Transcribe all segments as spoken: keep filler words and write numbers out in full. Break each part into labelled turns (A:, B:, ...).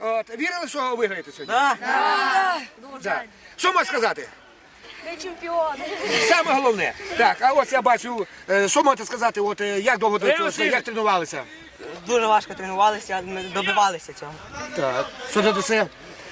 A: От, вірили, що виграєте сьогодні?
B: Так.
A: Да. Що можна сказати?
C: Ми чемпіони.
A: Саме головне. Так, а ось я бачу, е, що можете сказати, от, е, як довго до цього, як тренувалися?
B: Дуже важко тренувалися, ми добивалися цього.
A: Так. Що ти це?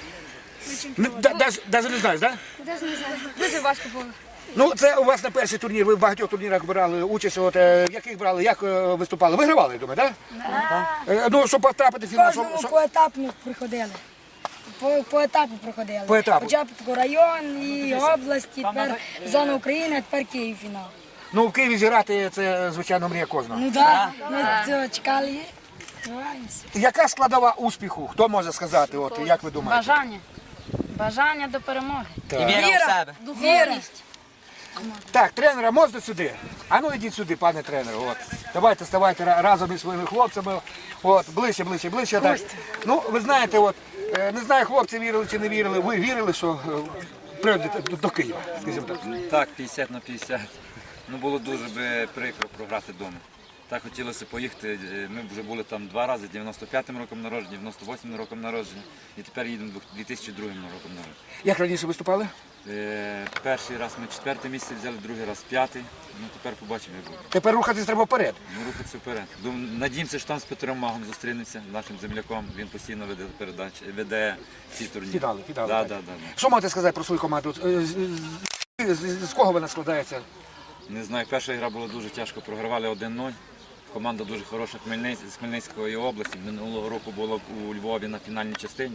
A: Навіть не знаєш, так?
C: Даже не знаю. Дуже важко було.
A: Ну, це у вас на перший турнір, ви в багатьох турнірах брали участь, от, е, яких брали, як е, виступали? Вигравали, я думаю, так? Да? Ну, щоб потрапити в фінал, що,
D: Кожному
A: що...
D: поетапно приходили. По, по етапу проходили.
A: По етапу.
D: Спочатку район і область, тепер зона України, а тепер Київ фінал.
A: Ну, в Києві зіграти, це, звичайно, мрія кожного.
D: Ну так, ми цього чекали і граємося.
A: Яка складова успіху? Хто може сказати, от, як ви думаєте?
E: Бажання. Бажання до перемоги.
B: І віра в себе.
D: Віра.
A: Так, тренера можна сюди? А ну йдіть сюди, пане тренер. От. Давайте ставайте ра- разом із своїми хлопцями. От, ближче, ближче, ближче. Так. Ну, ви знаєте, от, е, не знаю, хлопці вірили чи не вірили. Ви вірили, що е, прийдете до, до Києва, скажімо так.
F: Так, п'ятдесят на п'ятдесят. Ну було дуже би прикро програти вдома. Так хотілося поїхати. Ми вже були там два рази, дев'яносто п'ятим роком народження, дев'яносто восьмим роком народження. І тепер їдемо дві тисячі другим роком народження.
A: Як раніше виступали?
F: Е, перший раз ми четверте місце взяли, другий раз п'ятий. Ну тепер побачимо, як буде.
A: Тепер рухатись треба вперед.
F: Ну, рухатися вперед. Дум- Надіємося, що там з Петром Магом зустрінемося, нашим земляком. Він постійно веде передачі, веде ці турніри.
A: Фінали, фінали,
F: Да,
A: так.
F: да, да, да.
A: Що можете сказати про свою команду? Е, з- з- з- З кого вона складається?
F: Не знаю, перша гра була дуже тяжко, програвали один нуль. Команда дуже хороша Хмельниць- з Хмельницької області. Минулого року була у Львові на фінальній частині.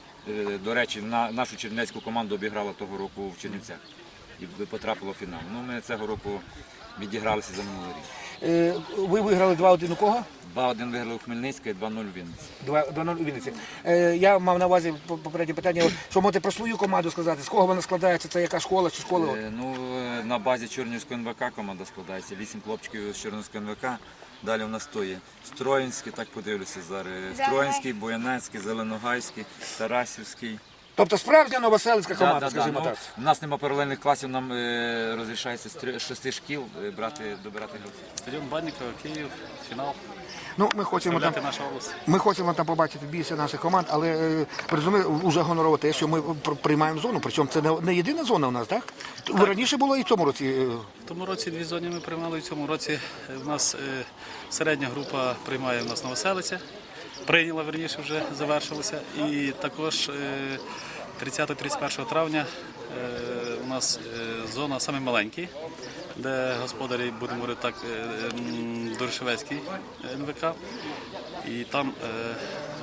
F: Е, До речі, на- нашу чернівецьку команду обіграла того року в Чернівцях і потрапила в фінал. Ну, ми цього року відігралися за минулий рік.
A: Е, Ви виграли два один у кого?
F: два один виграли у Хмельницька і два нуль у Вінниці.
A: два нуль у Вінниці. Е, Я мав на увазі по- попереднє питання, от, що можете про свою команду сказати, з кого вона складається, це яка школа чи школа?
F: Е, Ну, е, на базі Чорнівського ен ве ка команда складається. Вісім хлопчиків з Чорнівського ен ве ка. Далі у нас то є Строїнський, так подивлюся зараз. Строїнський, Боянецький, Зеленогайський, Тарасівський.
A: Тобто справжня новоселицька команда,
F: Да, да, да.
A: скажімо
F: Ну,
A: так.
F: у нас немає паралельних класів, нам е, розрішається з три- шести шкіл е, брати, добирати гравців.
G: Стадіон Баннікова, Київ, фінал.
A: Ну, ми хочемо там,
G: Представляти нашу область.
A: ми хочемо там побачити більше наших команд, але е, ви розумієте, вже гонорово те, що ми пр- приймаємо зону, причому це не, не єдина зона у нас, так? так? Раніше було і в цьому році. е,
G: В тому році дві зони ми приймали, в цьому році е, в нас е, середня група приймає в нас Новоселиця. Прийняла, верніше, вже завершилася. І також е, тридцятого-тридцять першого травня е, у нас е, зона саме маленькі, де господарі, будемо говорити так, е, м, Дорошевецький ен ве ка. І там е, е,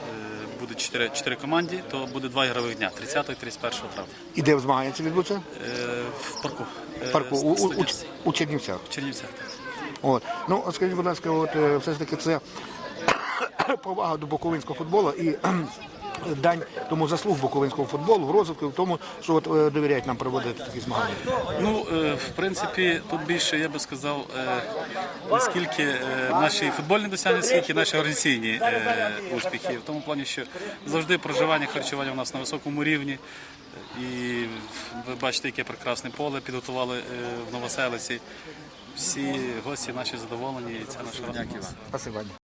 G: буде чотири, чотири команди, то буде два ігрових дня, тридцятого і тридцять першого травня.
A: І де змагання це відбудеться?
G: Е, В парку.
A: В парку, у, у, у,
G: Студентський.
A: у Чернівцях.
G: В Чернівцях.
A: От. Ну, от скажіть, будь ласка, от, е, все ж таки це повага до буковинського футболу і кхм, дань тому заслуг буковинського футболу в розвитку, в тому, що от, е, довіряють нам проводити такі змагання.
G: Ну, е, в принципі, тут більше, я би сказав, е, не скільки е, наші футбольні досягнення, скільки наші організаційні е, успіхи. В тому плані, що завжди проживання, харчування у нас на високому рівні. І ви бачите, яке прекрасне поле підготували е, в Новоселиці. Всі гості наші задоволені, і це наша робота.
A: Спасибо.